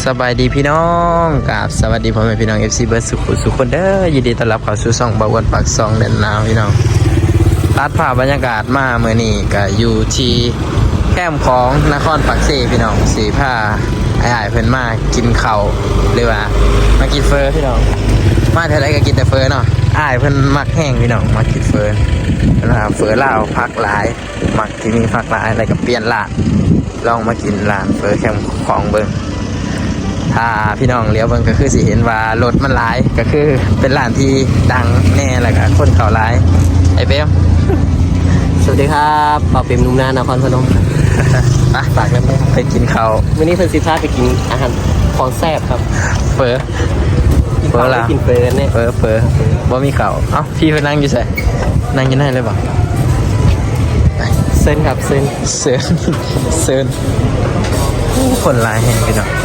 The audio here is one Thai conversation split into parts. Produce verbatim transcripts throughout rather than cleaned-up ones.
สบายดีพี่น้องกับสวัสดีพ่อแม่พี่น้อง เอฟ ซี เบิร์ดสุขุสุขคนเด้อยินดีต้อนรับเข้าสู่ช่องบ่าวอ้วนปากซองแดนนาวพี่น้องตัดภาพบรรยากาศมาเมื่อนี้ก็อยู่ที่แคมป์ของนครปักเสพี่น้องสีผ้าไอ้ๆเพิ่นมากินข้าวหรือว่ามากินเฟอพี่น้องมาเท่าไรก็กินแต่เฟอเนาะอ้ายเพิ่นมักแห้งพี่น้องมากินเฟอนะครับเฟอลาวพักหลายมักที่มีพักหลายอะไรก็เปลี่ยนละลองมากินร้านเฟอแคมป์ของเบิ่งถ้าพี่น้องเลี้ยวเบิ่งก็คือสิเห็นว่ารถมันหลายก็คือเป็นร้านที่ดังแน่แหละครับคนเขาหลายไอ้เป๊มสวัสดีครับเป่าเปรมนุ่มนานครพนมครับไปฝากกันไปกินข้าววันนี้เพิ่นสิพาไปกินอาหารของแซ่บครับเฟอเฟอละกินเฟอเนี่ยเฟอเฟอบ่มีข้าวเอ้าพี่เพิ่นนั่งอยู่ไสนั่งอยู่ไหนเลยบ่เส้นครับเส้นเซินเซินคนหลายแห่งพี่น้อง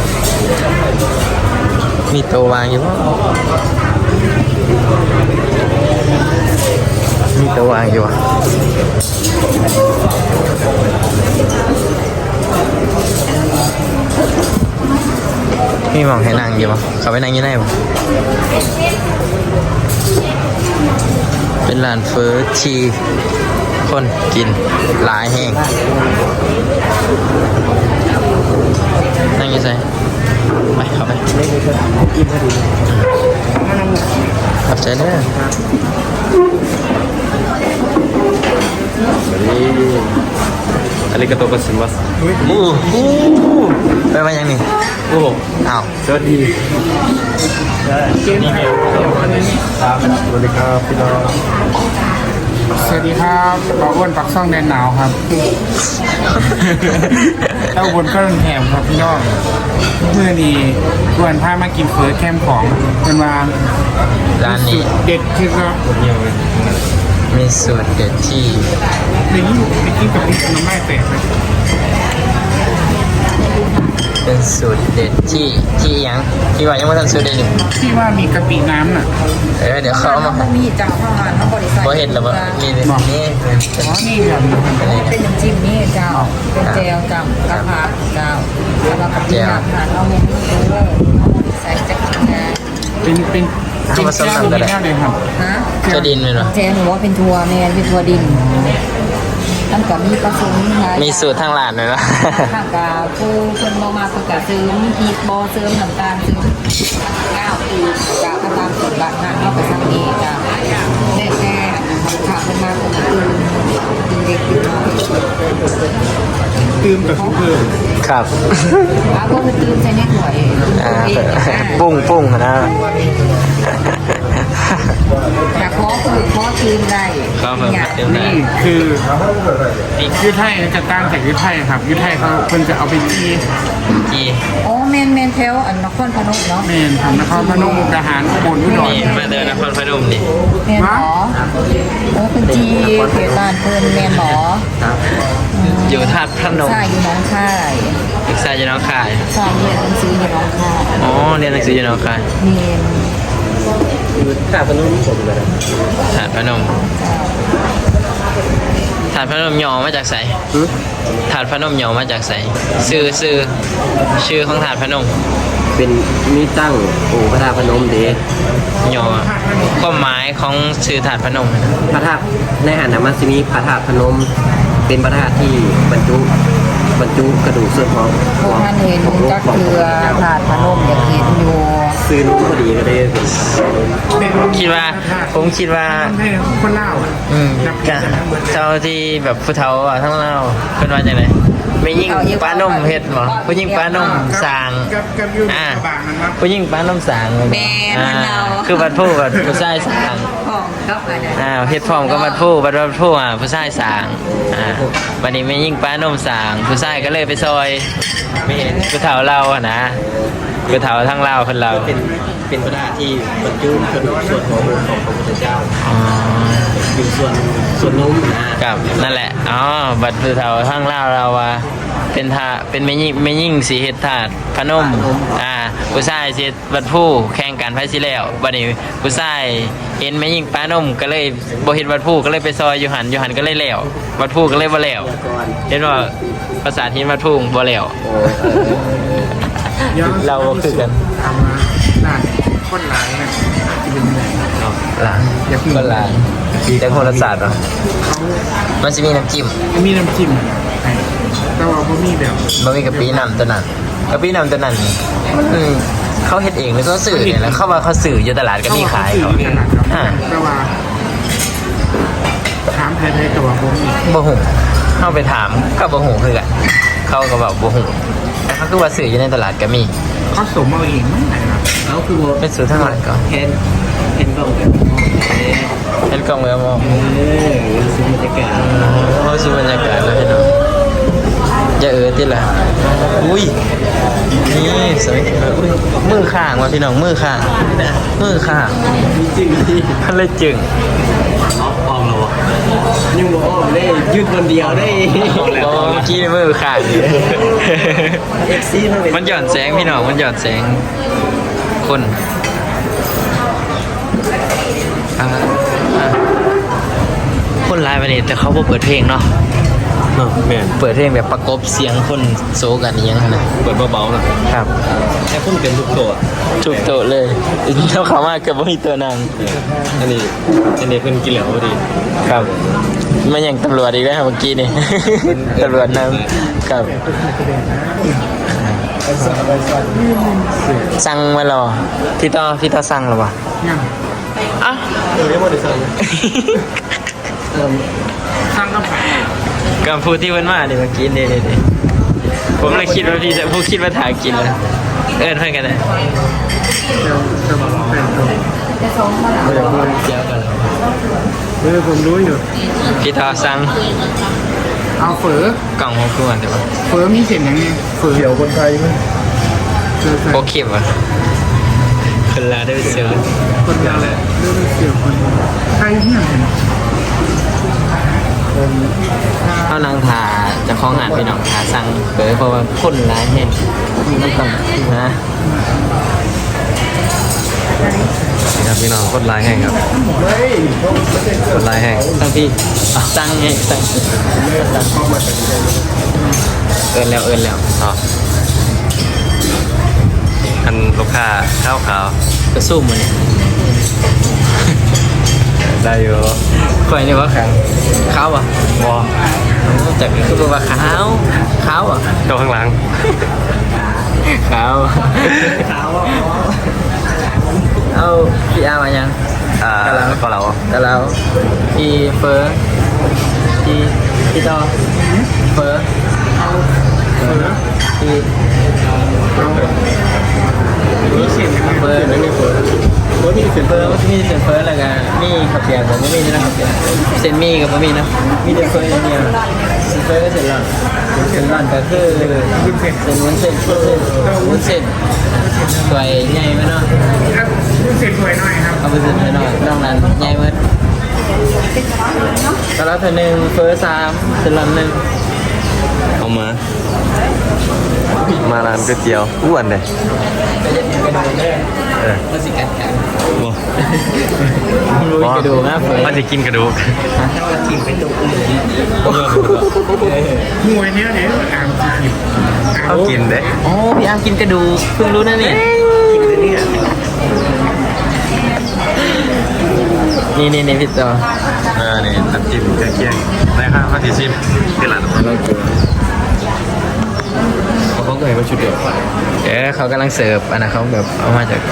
มีโตวางอยู่บ่มีโตวางอยู่อ่ะมีหมองให้นั่งอยู่บ่เขาไปนั่งอยู่ไหนบ่เป็นร้านเฟอที่คนกินหลายแห่งนั่งอยู่ไสไปเข้าไปกินพอดีขอบใจเด้ออาริกาโตะโกซิมัสโอ้โหไปมายังนี่โอ้อ้าวสวัสดีสวัสดีครับพี่น้องสวัสดีครับบ่าวอ้วนปักซ่องแดนหนาวครับเต้าบนก็รุนแหมครับพี่น้องเมื่อนี้ชวนพามากินเฟอแคมป์ของเป็นว่าร้านนี้เด็ดที่ก็มีสูตรเด็ดที่ในนี้ไปกินกับพี่น้ำไม้แตกเลยเป็นสูตรเด็ดที่ที่ยังที่ว่ายังไม่ทันสูตรเด็ดอยู่ที่ว่ามีกะปิน้ำน่ะเออเดี๋ยวเขาเอามามีจังเข้ามาทั้งบริษัทบ่เห็นหรอบ่มีนี่อ๋อนี่ครับเป็นน้ำจิ้มนี่เจ้าเป็นเจลจังกระเพราเจ้าแล้วก็กะปิน้ำค่ะเอาเมนูด้วยใส่จักรงานเป็นเป็นทำผสมกันได้เลยครับฮะจะดินเลยเหรอเจลหนูว่าเป็นทัวร์แมนเป็นทัวร์ดินตั้งแต่มีผสมมีสูตรทางร้านเลยนะข้างกาผู้คนมามาประกาศซื้อมีพีบอเสริมน้ำตาลซื้อก้าวคือกาตามสูตรบ้านนั่นเอาไปทำเองจ้ะแน่แน่ขาเป็นมาเป็นตื่นตื่นเด็กตื่นน้อยตื่นกับเพื่อนครับอ้าวก็คือตื่นใช้เน็ตหน่วยปุ้งปุ้งนะอยากขอคือขอตื่นได้นี่คือยุทธไทยจะตั้งแต่ยุทธไทยครับยุทธไทยเขาคนจะเอาไปจี้จี้อ๋อเมนเมนเทลอันนครพนมเนาะเมนทำนครพนมมุกดาหารอุบลอุดรนี่มาเดินนครพนมนี่เมนหมอเออเป็นจีเขตบ้านเพิ่นเมนหมออยู่ธาตุพนมใช่อยู่น้องค่ายศึกษาอยู่น้องค่ายใช่เรียนหนังสืออยู่น้องค่ายอ๋อเรียนหนังสืออยู่น้องค่ายเมนถาดพนมผมเลยถาดพนมถาดพนมย่อมาจากไสถาดพนมย่อมาจากไสชื่อชื่อชื่อของถาดพนมเป็นมีตั้งองค์พระธาตุพนมเด้ย่อความหมายของชื่อถาดพนมพระธาตุในหันน่ะมันสิมีพระธาตุพนมเป็นพระธาตุที่บรรจุบรรจุกระดูกส่วนของพวกท่านเห็นจักเคือถาดพนมอยากเห็นอยู่ซื้อนุ่มพอดีก็ได้คิดว่าผมคิดว่าคนเล่าอืมเจ้าที่แบบผู้เฒ่าอ่ะทั้งเล่าเป็นว่าจังได๋ไม่ยิ่งปลานมเฮ็ดบ่ผู้ยิ่งปลานมสร้างอ่าผู้ยิ่งปลานมสร้างอ่าคือบัดผู้บัดผู้ชายสร้างอ่าเฮ็ดพร้อมกับบัดผู้บัดบัดผู้อ่ะผู้ชายสร้างอ่าบัดนี้ไม่ยิ่งปลานมสร้างผู้ชายก็เลยไปซอยไม่เห็นผู้เฒ่าเราอ่ะนะผู้เฒ่าทั้งเล่าเพิ่นเราเป็นเป็นพระธาตุที่บรรจุกระดูกส่วนของของพระพุทธเจ้าอ๋ออยู่ส่วนส่วนนุ่มนะครับนั่นแหละอ๋อบัดผู้เฒ่าทั้งเล่าเราว่าเป็นท่าเป็นไม่ยิ่งไม่ยิ่งสีเฮ็ดถาดพนมอ่าผู้ชายสิบัดผู้แข่งกันไผสิแล้วบัดนี้ผู้ชายเห็นไม่ยิ่งปลานมก็เลยบ่เฮ็ดบัดผู้ก็เลยไปซอยอยู่หันอยู่หันก็เลยแล้วบัดผู้ก็เลยบ่แล้วเห็นว่าภาษาที่บัดผู้บ่แล้วเราก็คือกันทำมาหน้าคนร้ายนะจะเป็นยังไงหลานก็หลานแต่คนละศาสตร์เหรอเขามันจะมีน้ำจิ้มมีน้ำจิ้มให้แต่ว่าเขามีแบบบะหมี่กะปิน้ำตัวนั้นกะปิน้ำตัวนั้นอืมเขาเฮ็ดเองหรือเขาสื่อเนี่ยแล้วเขาว่าเขาสื่ออยู่ตลาดก็มีขายเขาขนาดครับอ่าแต่ว่าถามไทยๆกับว่าผมอีกบ่หูเข้าไปถามก็บ่หูคือกันเขาก็บอกบ่หูแต่เขาคือว่าสื่ออยู่ในตลาดก็มีเขาสมเอาเองไม่ไหนครับเขาคือโบเป็นสูตรทั้งหลายก่อนเห็นเห็นกล้องแบบเออเห็นกล่องแล้วมองเออซื้อบรรยากาศเขาซื้อบรรยากาศแล้วพี่น้องอย่าเออติละอุ้ยนี่สวยอุ้ยมือข้างว่ะพี่น้องมือข้างมือข้างมีจริงที่มันเลยจึงออกออกแล้วยังบอกออกได้ยืดคนเดียวได้โอ้เมื่อกี้มือข้างอยู่เอ็กซี่มันเป็นมันหย่อนแสงพี่น้องมันหย่อนแสงคนอ่าอ่าคนไลน์ไปนี่แต่เขาบ่เปิดเพลงเนาะแม่นเปิดเพลงแบบประกบเสียงคนโซกันอหยังนั้นนะเปิดเบาๆนะครับ แค่พุ่นเป็นทุกตัวจุกโตะเลยเท่าเขามากเกือบไม่มีตัวนางอันนี้อันนี้เพิ่นกินแล้วพอดีครับมันอย่างตำรวจอีกแล้วเมื่อกี้นี่ ตำรวจนำครับสั่งมาหรอพี่ต่อพี่ต่อสั่งหรอวะยังอ่ะเออไม่หมดเลยสั่งเออสร้างกำแพงกับผู้ที่เพิ่นมานี่เมื่อกี้นี่นี่ผมเลยคิดว่าพี่จะผู้คิดว่าถ่ายกินแล้วเอิ้นเพื่อนกันนะเดี๋ยวจะมาแต่งตัวจะส่งมาแล้วเดี๋ยวพูดเจียวกันเออผมรู้อยู่พี่ต่อสั่งเอาเฝอกล่องหกตัวเดี๋ยวเฝอมีเส้นยังไงเฝอเดี๋ยวคนไทยมั้ยเจอใส่โอเคป่ะคนลาได้ไปเจอคนเดียวเลยเรื่องเสี่ยวคนไทยเนี่ยเห็นเขานางทาเจะคล้าของงานพี่น้องทาสั่งเปิดเพราะว่าคนร้ายเห็นไม่ต้องนะครับพี่น้องโคตรลายแห้งครับโคตรลายแห้งสั่งพี่สั่งไงสั่งเอินแล้วเอินแล้วอ๋ออันลูกค้าข้าวขาวก็สู้มันนี่ได้อยู่คอยนี่ว่าขาวขาวอ่ะวอจากคือบอกว่าขาวขาวอ่ะโตข้างหลังขาวขาวเอาพี่อามายังอ่าก็เราแต่เราพี่เฟอร์พี่พี่ต่อเฟอร์เฝอพี่มีเส้นยังไงเฟอร์ไม่มีเฝอเฝอมีเส้นเฟอร์มีเซนเฟอร์แล้วก็มีขับเปียกผมก็มีนะขับเปียกเซนมีกับผมมีนะมีแต่เฟอร์อย่างเดียวเซนเฟอร์ก็เซนหลอนเซนหลอนก็คือวุ้นเส้นเซนวุ้นเส้นวุ้นเส้นวุ้นเส้นสวยใหญ่ไหมเนาะครับวุ้นเส้นสวยหน่อยครับเอาไปเส้นหน่อยนอกนั้นใหญ่ไหมตอนละเธอหนึ่งเฟอร์สามเซนหลอนหนึ่งเอามา มาร้านก๋วยเตี๋ยวอ้วนเลยก็จะถึงกระดูกเลยเออมันสิกัดกันวอรู้กระดูกนะเฟอร์มันจะกินกระดูกมวยเนี้ยเนี่ยอ่างจีบเขากินเด้โอ้พี่อาร์มกินกระดูกเพิ่งรู้นะเนี่ยกินเลยเนี่ยนี่นี่นี่พี่ต่อเออนี่น้ำจิ้มเคี่ยงๆได้ค่ะข้าวจีซิมที่ร้านเขาเขาเคยมาชุดเดียวเดี๋ยวเขากำลังเสิร์ฟอันนั้นเขาแบบเอามาจาก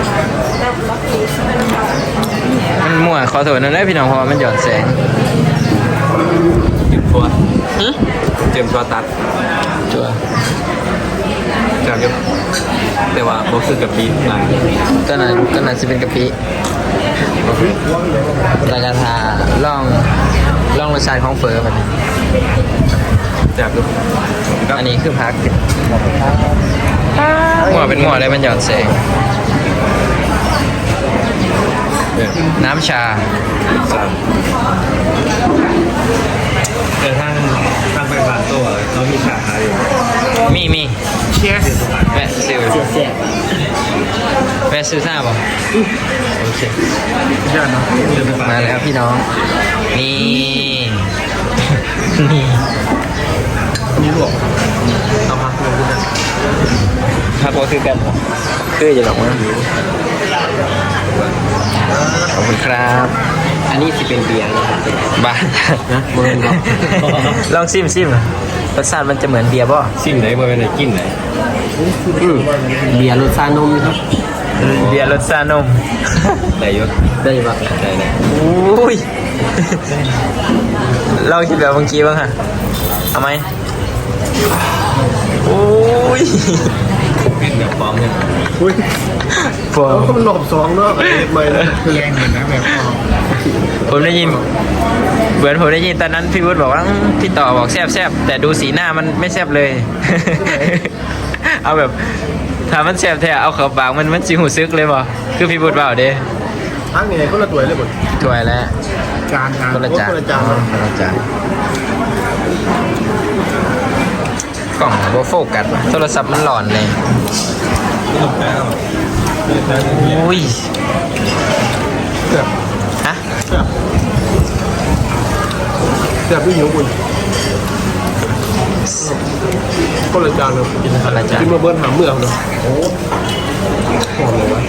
มันมั่วขอโทษนั่นแหละพี่น้องเพราะว่ามันหย่อนแสงเตรียมตัวหึเตรียมตัวตัดจัวจากเดียวแต่ว่าบ่คือกับปีหลังตอนนั้นตอนนั้นจะเป็นกะปิแล้วก็ทาล่องล่องรสชาติของเฟอร์แบบนี้จากเดียวก็อันนี้คือพักมั่วเป็นมั่วได้มันหย่อนแสงเนี่ยน้ำชาสามแต่ทางทางไปผ่านตัวเขามีขาขายอยู่มีมีเชียร์แวะซื้อแวะซื้อทราบป่ะโอเคยอดเนาะเดินไปผ่านมาแล้วพี่น้อง นี่ นี่นี่หลวงเอาพักลงขึ้นนะครับว่าคือกันคือจะหรอกมั้งขอบคุณครับอันนี้สิเป็นเบียร์นะครับบ้านะเบิร์นบอกลองซิมซิมรสชาติมันจะเหมือนเบียร์ป่ะซิ่งไหนบ่เป็นไหนกินไหนอืมเบียร์รสชานมครับเบียร์รสชาตินมไหนยศได้ปะไหนไหนอุ้ยเราคิดแบบเมื่อกี้บ้างฮะเอาไหมอุ้ยเป็นแบบพร้อมเนี่ยผมก็มันหลบสองเนาะไม่นะแรงเลยนะแบบออกผมได้ยินเหมือนผมได้ยินตอนนั้นพี่วุฒิบอกว่าอืมพี่ต่อบอกแซบแซบแต่ดูสีหน้ามันไม่แซบเลย เอาแบบถ้ามันแซบแท้เอาเข้าปากมันมันสิหูซึกเลยบ่คือพี่วุฒิเปล่าเด้ทั้งนี้คนละตัวเลยหมดถวยแล้วจานจานคนละจานคนละจานอ๋อคนละจานกล่องโบโฟกัสว่ะโทรศัพท์มันหลอนเลยอุ้ยฮะแซ่บไม่หิวคุณคนละจานเลยคนละจานกินมาเบิ้ลหาเมืองเนาะโอ้หอมเลยวะ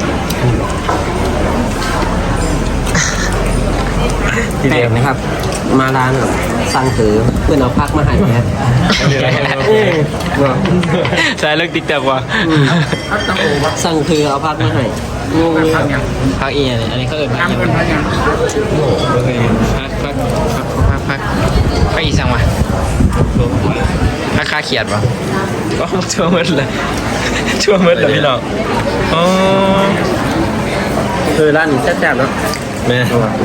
ทีแปลเดียวกนะครับ มาร้านแบบสั่งถือเพื่อนเอาพักมาให้นะใช่เลิกติ๊กต็อกว่ะพักตังโอวะสั่งถือเอาพักมาให้งงเลยพักยังพักอีอันนี้อันนี้เขาเอิญพักอีน้ำเป็นพักยังพักพักพักพักพักพักอีสั่งมาพักค่าเขียดป่ะก็ชั่วมืดเลยชั่วมืดเลยพี่น้องอ๋อคือร้านนี้แซ่บๆเนาะแม่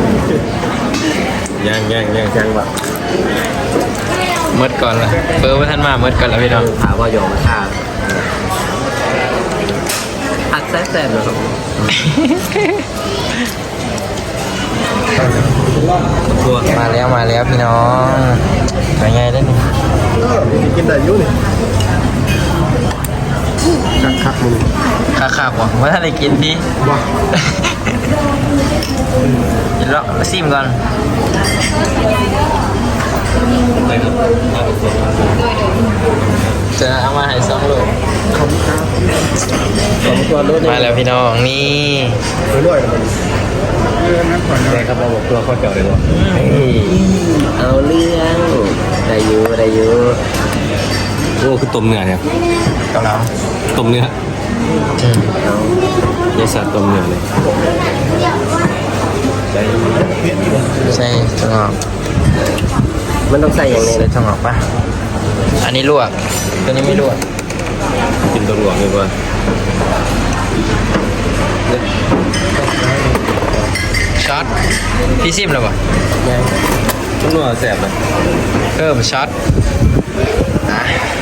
ย่างย่างย่างย่างแบบมืดก่อนละเปิดว่าท่านมามืดก่อนแล้วพี่น้องถามว่ายอมค่าผักแซ่บๆนะครับตัวมาแล้วมาแล้วพี่น้องเป็นไงได้นี่กินได้ยุ่นี่คักคักมึงค่าค่าว่ะว่าท่านได้กินพี่ว้าเดี๋ยวเราซิมก่อน จะเอามาให้สองโลสองตัวรถมาแล้วพี่น้องนี่อร่อยมันเออนั่นก่อนแม่ครับเราบอกตัวข้อเจ้าเลยวะเอาเรื่องได้อยู่ได้อยู่โอ้คือต้มเนื้อเนี่ยกับเราต้มเนื้ออืมเอายายสัตว์ต้มเนื้อเลยใช่ถั่วงอกมันต้องใส่อย่างไรใส่ถั่วงอกป่ะอันนี้ลวกตัวนี้ไม่ลวกกินตัวหลวงดีกว่าช็อตพี่ซิมแล้วป่ะต้มเนื้อแสบเลยเพิ่มช็อตอ่ะ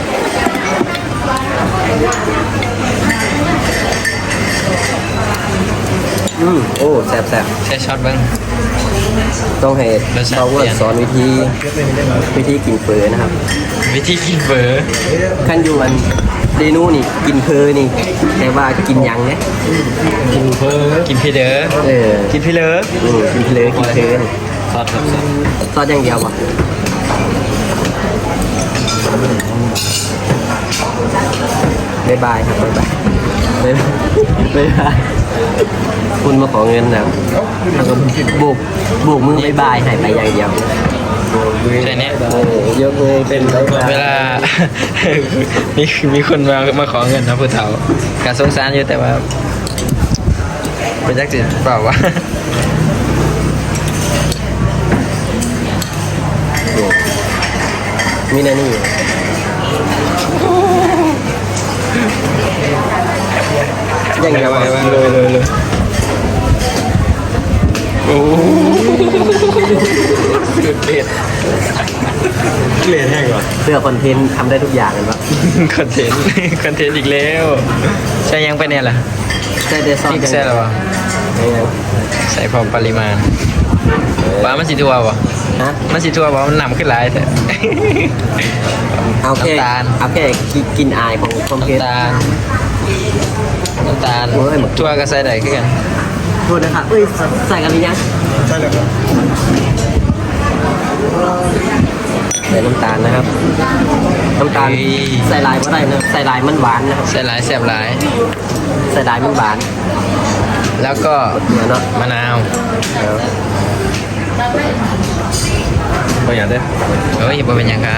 อืมโอ้แซ่บแซ่บใช้ช็อตเบ้างต้องให้เขาว่าสอนวิธีวิธีกินเฟอนะครับวิธีกินเบอร์ขั้นอยู่อันเดนูนี่กินเพอนี่แต่ว่ากินหยังเนี่ยกินเพิ่มกินพี่เด้อเออกินพี่เลิฟอืมกินเพลอกินเพลนี่ซอสครับซอสซอสอย่างเดียวป่ะบ๊ายบายครับบ๊ายบายบ๊ายบายบ๊ายบายคุณมาขอเงินนะแล้วก็โบกโบกมือบ๊ายบายหายไปอย่างเดียวใช่เนี้ยเออยกมือเป็นบ๊ายบายเวลา มีมีคนมามาขอเงินนะผู้เฒ่าการสงสารอยู่แต่ว่าเป็นจักจิเปล่าวะมีนานี่อย่างเดียวไปอะไปเลยเลยเลยโอ้เดือดเด็ดเกลียดแห้งก่อนเสื้อคอนเทนต์ทำได้ทุกอย่างเลยปะคอนเทนต์คอนเทนต์อีกแล้วใช่ยังไปเนี่ยล่ะใช่เดซอพนริกใส่หรอวะไม่งั้นใส่พอปริมาณปลามันสีทัววะฮะมันสีทัววะมันหนำขึ้นหลายแต่เอาแค่น้ำตาลเอาแค่กินกินอายของคอมเพลน้ำตาลน้ำตาลโอ้ยหมดทัวก็ใส่ได้ขึ้นกันโทษนะครับเอ้ยใส่กันหรือยังใช่เลยครับส่น้ำตาลนะครับน้ำตาลใส่ลายก็ได้นะใส่ลายมันหวานนะครับใส่หลายแซ่บหลายใส่ลายมันหวานแล้วก็เดี๋ยวเนาะมะนาวก็อย่างได้เฮ้ยบ่เป็นหยังครับ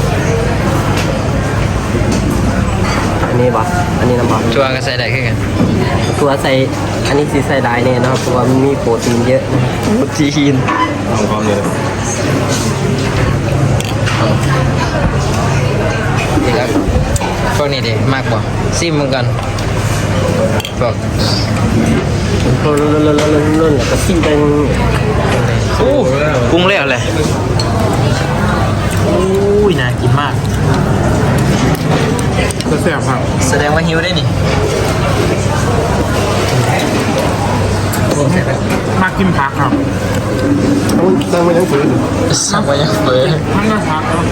อันนี้บ่อันนี้น้ำบ่ชัวก็ใส่ได้คือกันตัวใส่อันนี้สีใส่ลายเนี่ยนะครับเพราะว่ามันมีโปรตีนเยอะนะโปรตีนของความเลยนี่ครับพวกนี้ดิมากบ่ซิมมันก่อนพวกรุ่นรุ่นรุ่นรุ่นรุ่นแล้วก็ซิ่งเป็นอู้ปรุงแล้วเลยอุ้ยน่ากินมากจะแซ่บครับแสดงว่าหิวได้นี่มากินผักครับตั้งไว้ยังฝืนสั่งมายังเปิดมันก็ผักครับ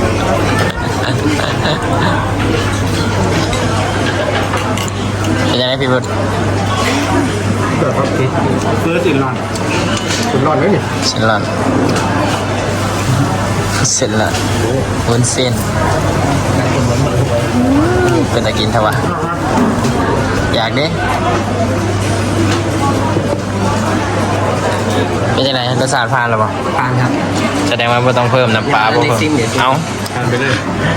เป็นยังไงพี่บุตรแบบครับเฟิร์สอินลอนคุณรอดไหมนี่เสร็จแล้วเสร็จแล้ววุ้นเส้นเป็นตะกินเถอะวะอยากดิเป็นยังไงรสชาติผ่านหรือเปล่าปานครับแสดงว่าไม่ต้องเพิ่มน้ำปลาเดี๋บ่ยวเพิ่มซิมเดี๋ยวซิมเอาทานไปเลย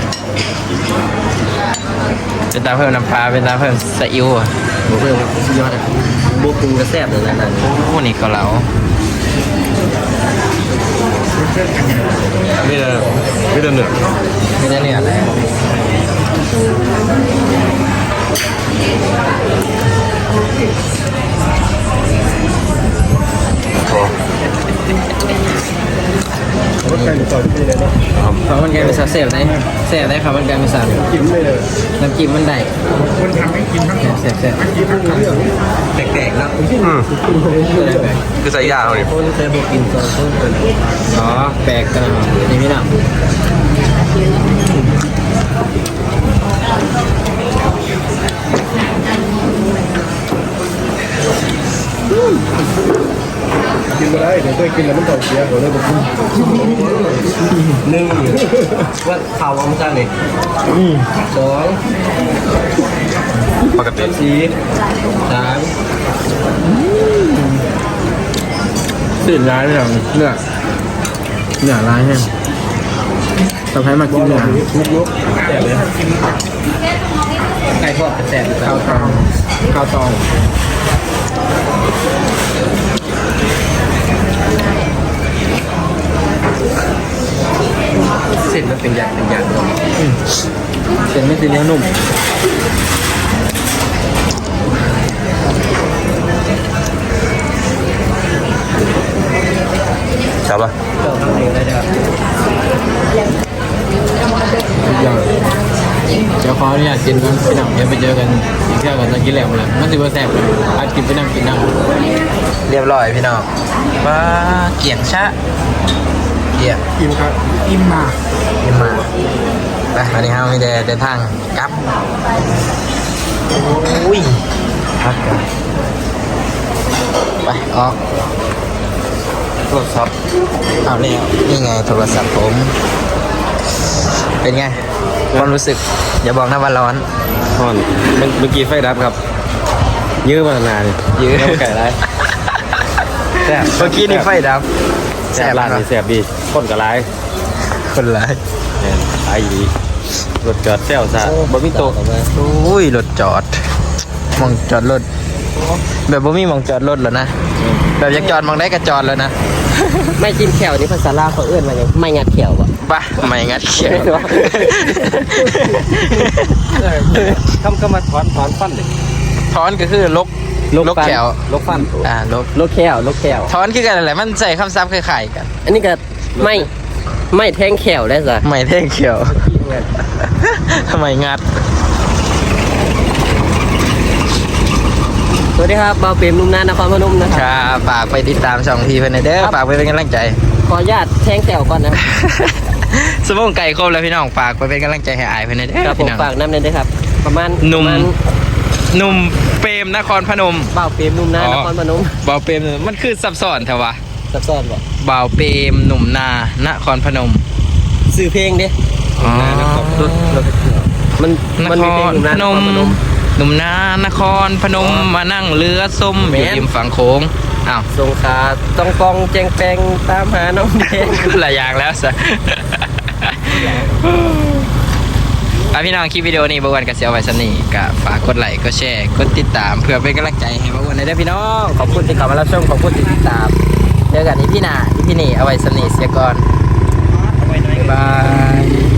เป็นตาเพิ่มน้ำปลาเป็นตาเพิ่มซีอิ๊วอ่ะโอ้เพิ่มสุดยอดอ่ะบวกปรุงกระแซบเลยนะนั่นโอ้นี่เกาเหลาไม่ได้ไม่ได้เหนือไม่ได้เนี่ยอะไรข้าวมันแกงเป็นซาเซฟได้เซฟได้ข้าวมันแกงเป็นซากินไม่เลยน้ำจิ้มมันได้คนทำให้กินทั้งหมดเซฟเซฟไม่กินทั้งหมดแปลกๆแล้วคือใส่ยาเขาดิคนเคยบอกกินตอนต้นเป็นอ๋อแปลกกันเหรอนี่พี่น้องกินมาได้เดี๋ยวตัวกินแล้วมันท้องเสียเขาเลยบอกคุณหนึ่งว่าข่าวว่ามันจะเนี่ยสองปกติสี่สามตื่นร้ายไม่หรอเนื้อเนื้อร้ายแห้งต่อไปมากินเนื้อลุกลุกแต่เลยไก่ทอดกระแซบข้าวตองข้าวตองเส้นมันเป็นอย่างเป็นอย่างเส้นไม่ตีเนื้อนุ่มครับป่ะก็ทำเองได้ด้วยอย่างเดี๋ยวขออนุญาตกินก่อนพี่น้องเดี๋ยวไปเจอกันอีกเที่ยวกันตอนกินแล้วเลยมันสิบ่แซ่บอัดกินไปนั่งกินนั่งเรียบร้อยพี่น้องว้าเกี่ยงชะเกี่ยงกินครับอิ่มมากขึ้นมาไปวันนี้เรามีแต่เดินทางกลับโอ้ยพักกันไปออกโทรศัพท์เอาเนี่ยนี่ไงโทรศัพท์ผม เป็นไงความรู้สึก อย่าบอกนะว่าร้อนท่อนเมื่อกี้ไฟดับครับ ยื้อมานานยื้อไก่ไรแซ่บเมื่อกี้นี่ไฟดับแซ่บร้านนี้แซ่บดีคนกับไรคนร้ายไอ้ดีรถจอดแซวซะบ่มีโต๊ะอุ้ยรถจอดมองจอดรถแบบบ่มีมองจอดรถแล้วนะแบบอยากจอดมองได้ก็จอดแล้วนะไม่จิ้มแขวนี่ภาษาลาวเขาเอื้อนมาอย่างไม่งัดแขวอ่ะป่ะไม่งัดเขียวคำก็มาถอนถอนฟันเลยถอนก็คือลกลกแขวลกฟันอ่าลกลกแขวลกแขวถอนคือกันอะไรมันใส่คำศัพท์คล้ายๆกันอันนี้ก็ไม่ไม่แทงแขวได้จ้ะไม่เท่งเขียวทำไมงัดสวัสดีครับบ่าวเปรมนุ่มนานนครพนมนะคครับรับฝากไปติดตามช่องพีเพื่อนเด้อฝากไปเป็นกำลังใจขออนุญาตแทงแขวก่อนนะสมองไก่ครบแล้วพี่น้องฝากไปเป็นกำลังใจให้อายเพื่อนเด้อครับผมพี่น้องฝากน้ำเลยด้วยครับ ประมาณหนุ่มประาณหนุ่มเปรมนครพนมบ่าวเปรมนุ่มนานนครพนมบ่าวเปรมมันคือซับซ้อนเถอะวะซับซ้อนบ่บ่าวเปรมหนุ่มนานครพนมซื้อเพลงดิอ๋อรถรถมันนมันคมีเพลงรอยู่นะพนมนครพนมหนุ่มนานครพนมมานั่งเรือส้มแม่อน ยู่ริมฝั่งโขงอ้าวสงขลาต้องกองแจงแปงตามหาน้องแดงหลายอย่างแล้วสะ อ่ะพี่น้องคลิปวิดีโอนี้บางวันก็เสียไว้สนี่ก็ฝากกดไลค์กดแชร์กดติดตามเพื่อเป็นกำลังใจให้บางวันได้พี่น้องขอบคุณที่เข้ามารับชมขอบคุณที่ติดตามเจอกันอีพี่หน้าอีพี่นี่เอาไว้สนี่เสียก่อนบ๊ายบาย